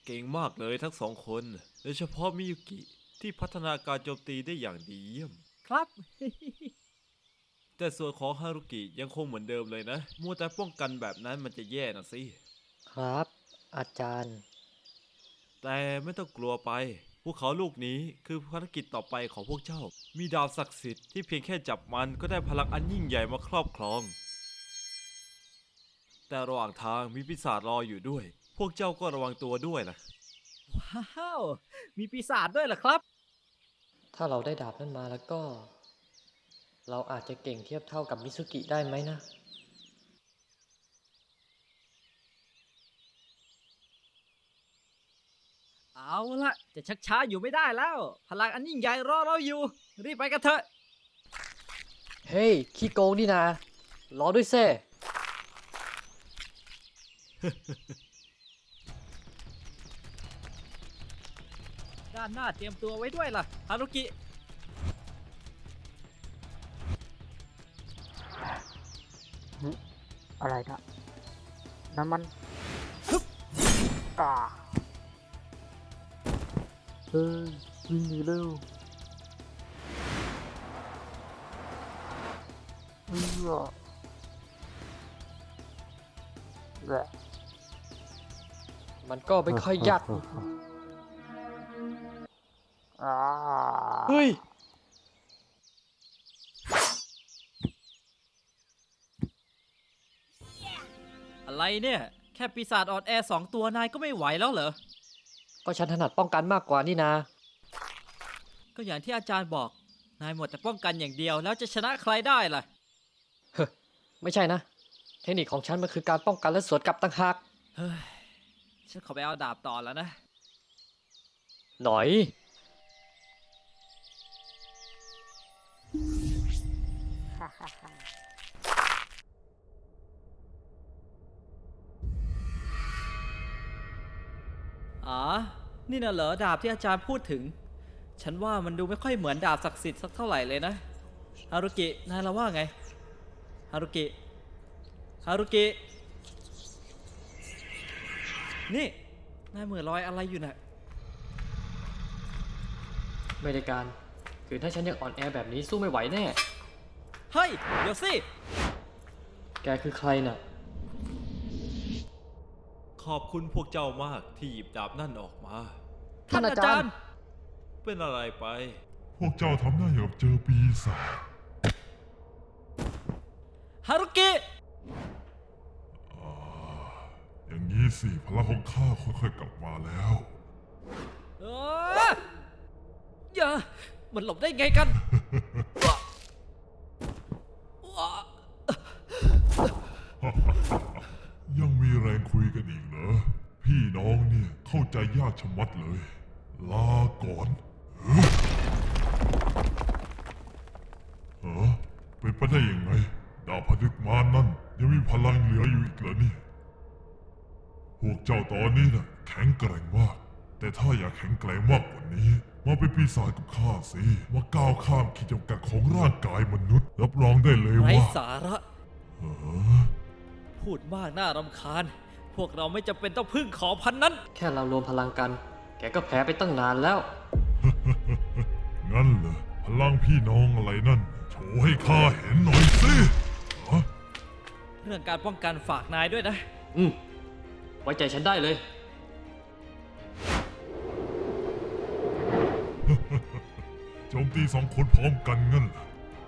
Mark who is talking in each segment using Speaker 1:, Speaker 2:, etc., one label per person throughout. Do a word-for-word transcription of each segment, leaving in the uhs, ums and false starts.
Speaker 1: เก่งมากเลยทั้งสองคน โดยเฉพาะมิยุกิที่พัฒนาการโจมตีได้อย่างดีเยี่ยม
Speaker 2: ครับ
Speaker 1: แต่ส่วนของฮารุกิยังคงเหมือนเดิมเลยนะ มัวแต่ป้องกันแบบนั้นมันจะแย่นะสิ
Speaker 3: ครับ อาจารย์
Speaker 1: แต่ไม่ต้องกลัวไป ภูเขาลูกนี้คือภารกิจต่อไปของพวกเจ้า มีดาวศักดิ์สิทธิ์ที่เพียงแค่จับมันก็ได้พลังอันยิ่งใหญ่มาครอบครอง แต่ระหว่างทางมีปีศาจรออยู่ด้วย พวกเจ้าก็ระวังตัวด้วยนะ
Speaker 2: ว้าว มีปีศาจด้วยเหรอครับ
Speaker 3: ถ้าเราได้ดาบนั้นมาแล้วก็ เราอาจจะเก่งเทียบเท่ากับมิซุกิได้ไหมนะ
Speaker 2: เอาละจะชักช้าอยู่ไม่ได้แล้ว พลังอันยิ่งใหญ่รอเราอยู่ รีบไปกันเถอะ
Speaker 3: เฮ้ย ขี้โกงนี่นา รอด้วยเซ่
Speaker 2: ด้านหน้าเตรียมตัวไว้ด้วยล่ะฮารุกิ
Speaker 4: อะไรนะน้ำมันฮึบอ่าเฮ้ยวิ่งหนีเร็วเออแหละ
Speaker 3: มันก็ไม่ค่อยยาก
Speaker 4: อ่า
Speaker 3: เฮ้ย
Speaker 2: อะไรเนี่ย แค่ปีศาจอ่อนแอสองตัวนายก็ไม่ไหวแล้วเหรอ
Speaker 3: ก็ฉันถนัดป้องกันมากกว่านี่นา
Speaker 2: ก็อย่างที่อาจารย์บอก นายหมดแต่ป้องกันอย่างเดียวแล้วจะชนะใครได้ล่ะ
Speaker 3: เฮ้ยไม่ใช่นะ เทคนิคของฉันมันคือการป้องกันและสวนกลับต่างหาก
Speaker 2: เฮ้ย ฉันขอไปเอาดาบต่อแล้วนะ
Speaker 3: หน่อย
Speaker 4: ฮ่าฮ่าฮ่า
Speaker 2: อ๋อ นี่น่ะเหรอดาบที่อาจารย์พูดถึง ฉันว่ามันดูไม่ค่อยเหมือนดาบศักดิ์สิทธิ์สักเท่าไหร่เลยนะ ฮารุกิ นายละว่าไง ฮารุกิ ฮารุกิ นี่ นายเหมือนรอยอะไรอยู่น่ะ
Speaker 3: ไม่ได้การ คือถ้าฉันยังอ่อนแอแบบนี้สู้ไม่ไหวแน่
Speaker 2: เฮ้ย เดี๋ยวสิ
Speaker 3: แกคือใครน่ะ
Speaker 1: ขอบคุณพวกเจ้ามากที่หยิบดาบนั่นออกมา
Speaker 3: ท่านอาจารย์
Speaker 1: เป็นอะไรไป
Speaker 5: พวกเจ้าทำหน้าอย่างกับเจอปีศาจ
Speaker 2: ฮารุกิ
Speaker 5: อย่างนี้สิพลังของข้าค่อยๆกลับมาแล้ว
Speaker 2: เอออย่า มันหลบได้ไงกัน
Speaker 5: ยังมีแรงคุยกันอีกเหรอ พี่น้องเนี่ยเข้าใจยากชะมัดเลย ลาก่อนเฮ้ยเออเป็นไปได้ยังไง ดาวพนึกมารนั่นยังมีพลังเหลืออยู่อีกเหรอเนี่ยพวกเจ้าตอนนี้น่ะแข็งแกร่งมาก แต่ถ้าอยากแข็งแกร่งมากกว่านี้ มาเป็นปีศาจกับข้าสิมาก้าวข้ามขีดจำกัดของร่างกายมนุษย์ รับรองได้เลย
Speaker 2: ไร้
Speaker 5: ว่า
Speaker 2: สาระ
Speaker 5: เออ
Speaker 2: พูดมากน่ารำคาญ พวกเราไม่จำเป็นต้องพึ่งขอพันนั้น
Speaker 3: แค่เรารวมพลังกัน แกก็แพ้ไปตั้งนานแล้ว
Speaker 5: งั้นเหรอพลังพี่น้องอะไรนั่น โชว์ให้ข้าเห็นหน่อยสิฮะ
Speaker 2: เรื่องการป้องกันฝากนายด้วยนะ
Speaker 3: อืม ไว้ใจฉันได้เลย
Speaker 5: โจมตีสองคนพร้อมกันงั้นเหรอ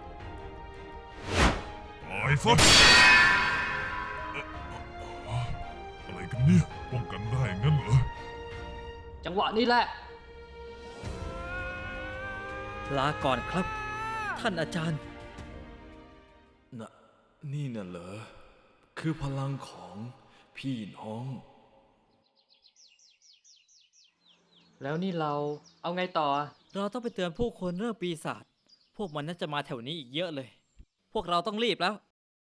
Speaker 5: ตายซะเอ่อเอ่ออะไรกันเนี่ยป้องกันได้งั้นเหรอ
Speaker 3: จังหวะนี้แหละ
Speaker 2: ลาก่อนครับ ท่านอาจารย์
Speaker 1: น่ะ นี่น่ะเหรอ คือพลังของพี่น้อง
Speaker 3: แล้วนี่เราเอาไงต่อ
Speaker 2: เราต้องไปเตือนผู้คนเรื่องปีศาจ พวกมันน่าจะมาแถวนี้อีกเยอะเลย พวกเราต้องรีบแล้ว